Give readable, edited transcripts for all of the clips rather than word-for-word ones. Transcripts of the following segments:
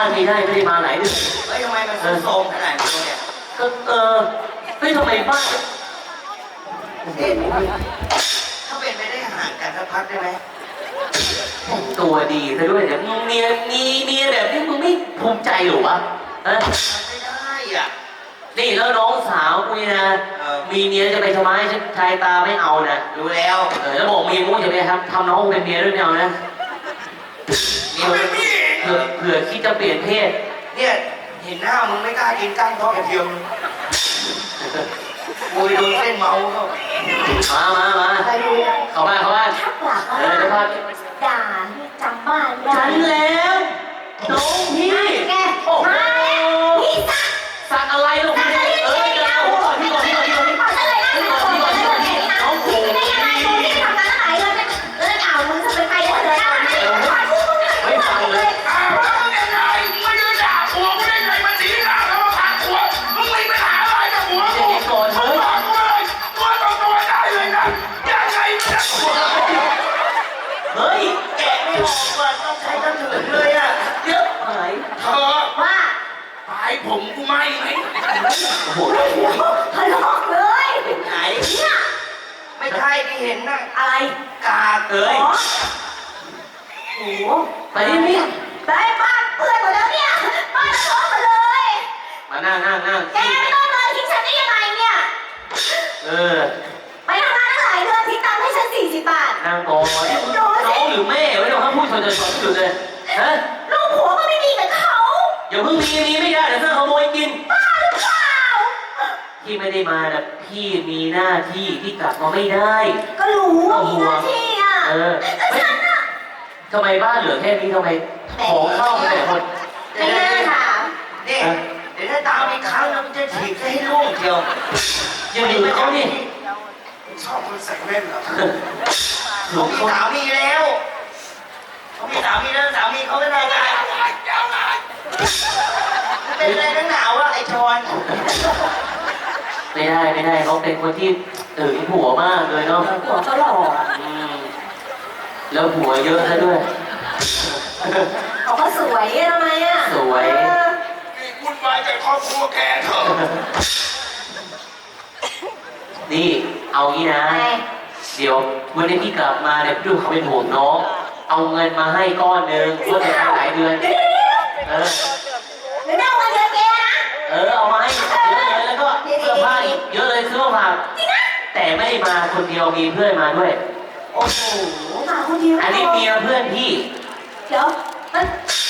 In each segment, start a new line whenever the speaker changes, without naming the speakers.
านไม่ได้มาหลายเดือน
เฮ้ยทำไมมันโซมขนาดนี้เนี่ย
ก็เฮ้ยทำไมบ้าน
ถ้าเป็นไปได้ห่างกันสักพักได้ไหม
ตัวดีซะด้วยแต่มึงเมียแบบนี้มึงไม่ภูมิใจหรอวะ
ไม่ได้อ่ะ
นี่แล้วน้องสาวกูนะมีเมียจะไปทำไมชายตาไม่เอานะ
รู้แล้ว
แล้วบอกเมียกูจะไปทำน้องกูเป็นเมียด้วยไม่เอานะเผื่อคิดจะเปลี่ยนเพศ
เนี่ยเห็นหน้ามึงไม่กล้ากินก้างทอดกระเทียมกูโดนเส้นเมา
มาเข้าบ้าน
ถ้าปากว่าด่าจำบ้าน
ฉันแล้วน้องพี่
แกมาพี่
สักอะไรลูกพี่เดี๋ยวก่อนพี่น้องกู
ไม่ยังไงดูที่ทำร้านอาหารเลยเอามึงจะเป็นใครเลย
ไม่ฟังเลย
ไม่ได้ด่าหัวไม่ได้ไงมันสีหน้าแล้วมาผ่านหัวมึงไม่ไปหาอะไรกับหัวกู
ก่อน
มึงบอกกูเลยตัวต่อตัวได้เลยนะยังไงเนี่ย
เฮ้ย
แกะไม่ออกว่าต้องใช้กระถึงเลยอ่ะ
เยอะไหม
เธอ
ว่า
ปลายผมกูไหม
โอ้โห
ทะเลาะเลย
ไหนเนี่ยไม่ใช่ที่เห็นน่ะ
อะไร
กา
เอ้ย
โอ้
ไปนี่
ได้บ้านเปื่อยหมดแล้วเนี่ยบ้านท้องหมดเลย
มานั่ง
แกไม่ต้องเลยทิ้งฉันได้ยังไงเนี่ยไปทำงานตั้งหลายเดือนทิ้งตังค์ให้ฉัน40 บาท
นั่งก่อนน้องหรือแม่ไม่ต้องพูดชนจุดเลยฮะ
ลูกผัวก็ไม่มีเหมือนเขา
อย่าเพิ่งมีไม่ได้เดี๋ยวเพื่อนขโมยกิน
บ้าหรือเปล่า
พี่ไม่ได้มานะพี่มีหน้าที่ที่กลับมาไม่ได้
ก็รู้ว่ามีหน้าที่อ่ะแล้วฉันอ่ะ
ทำไมบ้านเหลือแค่นี้ทำไมของเข้าไปแต่คน
ไม่น่าถาม
นี่เดี๋ยวถ้าตามอีกครั้งมันจะถีบให้ลูกเดียว
ยังอยู่เขานี่
ชอบคนใส่แว่นเหรอ
เขามีสามีแล้วเขามีสามีแล้วสามีเขาไม่ได้ไงเป็นอะไรนักหนาวะไอชอน
ไม่ได้เขาเป็นคนที่ผัวมากเลยเนาะ
ผัวก็หล่อ
แล้วผัวเยอะซะด้วย
เขาก็สวยทำไมอ่ะ
สวย
วุ่นวายแต่ครอบครัวแกเถอะ
นี่เอางี้นะเดี๋ยววันนี้พี่กลับมาเนี่ยพี่ดูเขาเป็นห่วงน้องเอาเงินมาให้ก้อนนึงเพื่อจะหลายเดือน
เดี๋ยวเอาเงินแกนะ
เอามาให้เยอะเลยแล้วก็เสื้อผ้าอีกเยอะเลยซื้อมาแต่ไม่ได้มาคนเดียวมีเพื่อนมาด้วย
โอ้โหมาคนเดียว
อันนี้เมียเพื่อนพี่
เดี๋ยวมัน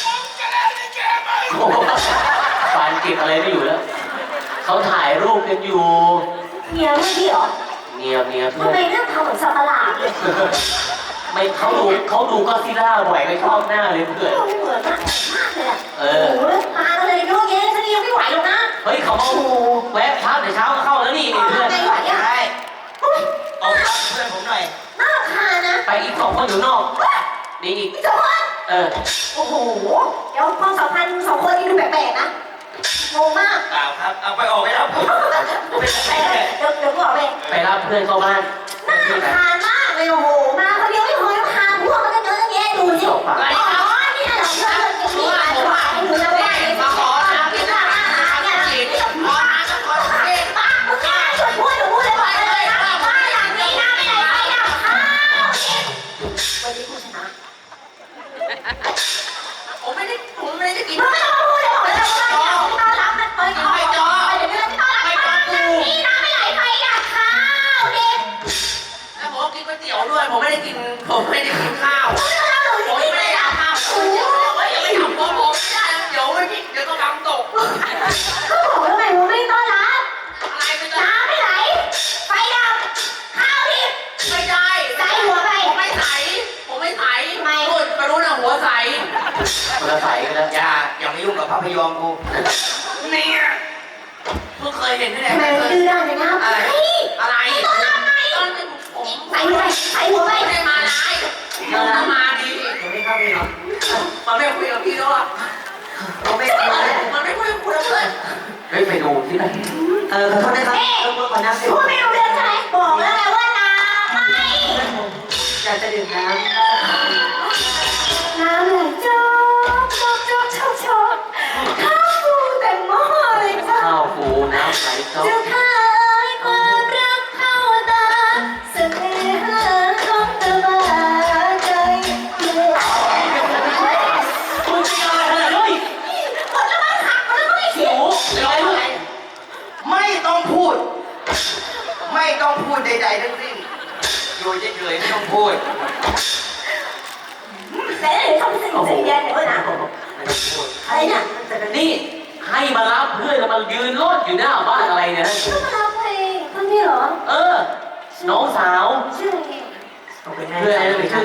ฟานเก็บอะไรไม่อยู่แล้วเขาถ่ายรูปกันอยู่
เมียเพื่อนพี่เหรอ
เมียเพื่อน
ทำไมเรื่องทำเหมือนสัตว์ประหลาดเลย
ไม่เขาดูก็ซิล่าบ่อยไปชอบหน้าเลยเพื่อน
เหมือนมากเลยอ่ะโอ้โหมาเลยโยกเย้ฉันยังไม่ไหวหรอกนะ
เฮ้ยเขาแวะพักแต่เช้าก็เข้าแล้วนี่เพื่อน
ไม่ไหวอ่ะ
ใช่เอาเพื่อนผมหน่อย
น่ารำคาญนะ
ไปอีก2 คนอยู่นอกนี่อีก
2 คนโอ้โหเดี๋ยวความสัมพันธ์2 คนนี้ดูแปลกๆนะงงมาก
เปล่าครับเอาไปออกไปแล้ว
เดี๋ยวบอก
ไปรับเพื่อนเข้าบ้าน
น่ารำคาญมากเลยโอ้โหมาคนเดียวไม่พอรำคาญพวกมันก็เยอะแยะดูสิอ๋อนี่เหรอเพื่อนจะมีอะไรหวานให้ดูแล้วแม่มาขอทำกินอาหารเนี่ยขออาหารขอทานป้ามึงกล้าชวนพูดเลยก่อนเลยบ้านหลังนี้นะไม่ไหนไปดับข้าววันนี้ผู้ชนะ
ผมไม่ได้กิน
มึงไม่ต้องพูดเลยบอกเลยว่าต้อนรับมันเปิดไม่จอเดี๋ยวเราจะต้อนรับบ้านหลังนี้นะไม่ไหนไปดับข้าวเด็ก
แล้วผมกินก๋วยเตี๋ยวด้วยผมไม่ได้กินข้าว
ผม
ไม่ได้ทำข้าวอย่าไปทำผมไม่ได้เดี๋ยวก็ทำตก
ก็บอกแล้วไงว่าไม่ต้อนรับ
อะไรไม่ได้
น้ำไม่ไหลไฟดับข้าวดิบ
ไม่ได้
ใส่หัวไป
ผมไม่ใส่
ไม่
คุณมารู้นะหัวใส
คนละใสกันแล้ว
อย่าไม่ยุ่งกับภาพยนตร์กู
เนี่ย
เพิ่งเคยเห็นที่ไหน
ไม่ดื้อด้านเลยนะ
อะไร
ต้อนรับไงใส่หัวไป
ไม่ได้มาไล่มาดี
ไม่เข้าไปหรอ
มันไม่คุยกับพี่ด้วยมันไม่คุยกับเพื่อน
ไปดูที่ไหน
ขอโทษนะครับ
ก่อนนะพูดไม่รู้เรื่องใช่ไหมบอกแล้วไงว่าน้ำไม่
อยากจะดื่มน้ำ
ไหลโจ๊กเจ้าข้าความรักเข้าตาเสน่หาของตะวันใจเมื่อ
มึงจะอะไรขนาดนี้
หมดแล้วมั้งหักหมดแล้วมั้งไอ้เสีย
โอ้ยอะไรลูก
ไม่ต้องพูด ไม่ต้องพูดใดๆทั้งสิ้นอยู่เฉยๆไม่ต้องพูด
แต่เดี๋ยวทำให้สนิทใจเย็นเดี๋ยวนะอะไรเนี่ย
นี่ให้มารับเพื่อนแล้วมายืนรถอยู่หน้าบ้านอะไรเนี่ย
ชื่อมารับเพลงคนนี้เหรอ
เออ น้องสาว
ชื่ออะไร
ขอบคุณแม่
เพื่อนอะไรชื่อ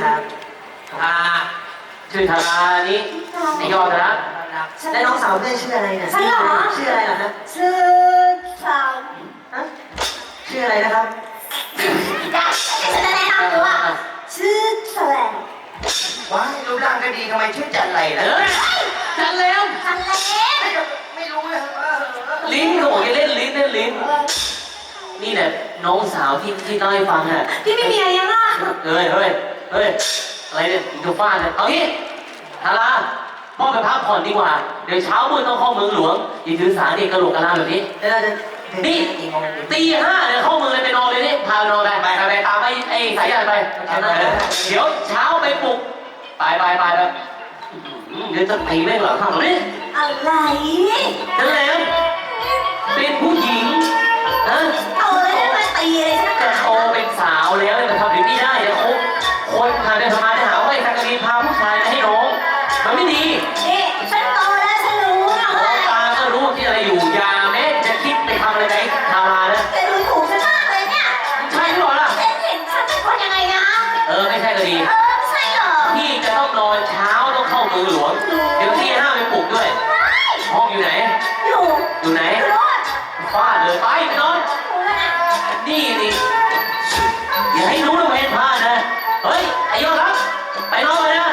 ชื่อธารานี่ไอยอดนะ
และน้องสาวเพื่อนชื่ออะไรเนี่ย
ฉันเหรอ
ชื่ออะไรเหรอครับ
ชื่อสาว
ฮะชื่ออะไรนะครับ
จ้ะฉันจะแนะนำตัวชื่อแสลง
ว้ายรูปร่างก็ดีทำไมชื่อจันไรล่ะ
เอ้ยจันแล้ว
ฉันเล็ก
ไม่รู้เลยว่า
ลิ้นเขาบอกให้เล่นลิ้นเล่นลิ้น นี่แหละน้องสาวที่เล่าให้ฟังอ่ะ
พี่ไม่มีอะไรยังอ่ะ
เฮ้ยอะไรเนี่ยดูฟ้าเนี่ยเอางี้ธาราพ่อไปพักผ่อนดีกว่า เดี๋ยวเช้ามืดต้องเข้าเมืองหลวงอย่าถือสาเด็กกระโหลกกระลาแบบนี้
แล้วเราจะ
นี่
กี่โมงดี
ตีห้าเนี่ยเข้าเมืองเลยไปนอนเลยนี่พานอนไปตามไอ้สายยานไปเดี๋ยวเช้าไปปลุกไปเดี๋ยวจะตีแม่งเหรอทำนี่
อะไร
นั่นแหละเป็นผู้หญิงนะ
เอาเลยมาตีเลยใช่ไหม
จะโตเป็นสาวแล้วเนี่ยมันทำแบบนี้ได้เดี๋ยวคนพาเดินทำไมจะหาว่าไอ้สักกะรีพาผู้ชายมาให้น้องมันไม่ดี
นี่ฉันโตแล้วฉันรู้นะ
น้
ว่า
องตาก็รู้ที่อะไรอยู่อย่าแม้จะคิดไปทำอะไรกับไอ้ทารานะ
แกดูถูกฉันมากเลยเนี่ย
ใช่หรือเปล่าล่ะ
ฉันเห็นฉันเป็นคนยังไงนะ
ไม่ใช่ก็ดี
ไม่ใช่เหรอ
พี่จะต้องนอนเช้าต้องเข้าเมืองหลวง เดี๋ยวที่ห้าไปปลุกด้วย ห้องอยู่ไหน
อยู่
อยู่ไหน
รถ
ฟาดเลยไปนอน นี่อย่าให้รู้นะเวรพลาดนะ เฮ้ย ไอ้ยอดรักไปนอนเลยนะ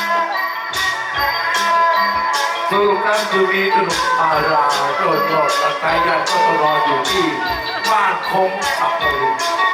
สรุปนั้นคือมีขนมอาราโดดและสายยันก็ต้องรออยู่ที่บ้านคงสับปะรด